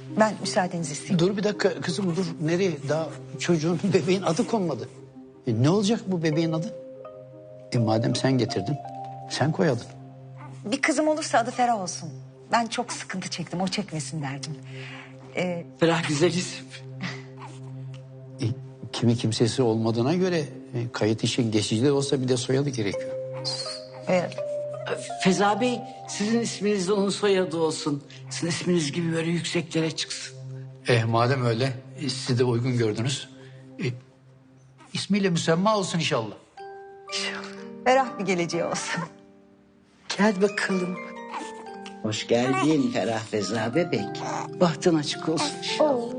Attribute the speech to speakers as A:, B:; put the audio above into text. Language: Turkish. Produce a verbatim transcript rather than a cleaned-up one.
A: Ben müsaadenizi isteyeyim.
B: Dur bir dakika kızım dur. Nereye? Daha çocuğun bebeğin adı konmadı. E, ne olacak bu bebeğin adı? E madem sen getirdin sen koy adını.
A: Bir kızım olursa adı Ferah olsun. Ben çok sıkıntı çektim, o çekmesin derdim. Ee,
C: Ferah güzel isim.
B: E, kimi kimsesi olmadığına göre e, kayıt için geçici de olsa bir de soyadı gerekiyor.
A: e,
C: Feza Bey, sizin isminiz de onun soyadı olsun. Sizin isminiz gibi böyle yükseklere çıksın.
B: E madem öyle e, siz de uygun gördünüz. E, ismiyle müsemma olsun inşallah.
A: Ferah bir geleceği olsun.
C: Gel bakalım. Hoş geldin Ferah Feza bebek. Bahtın açık olsun inşallah.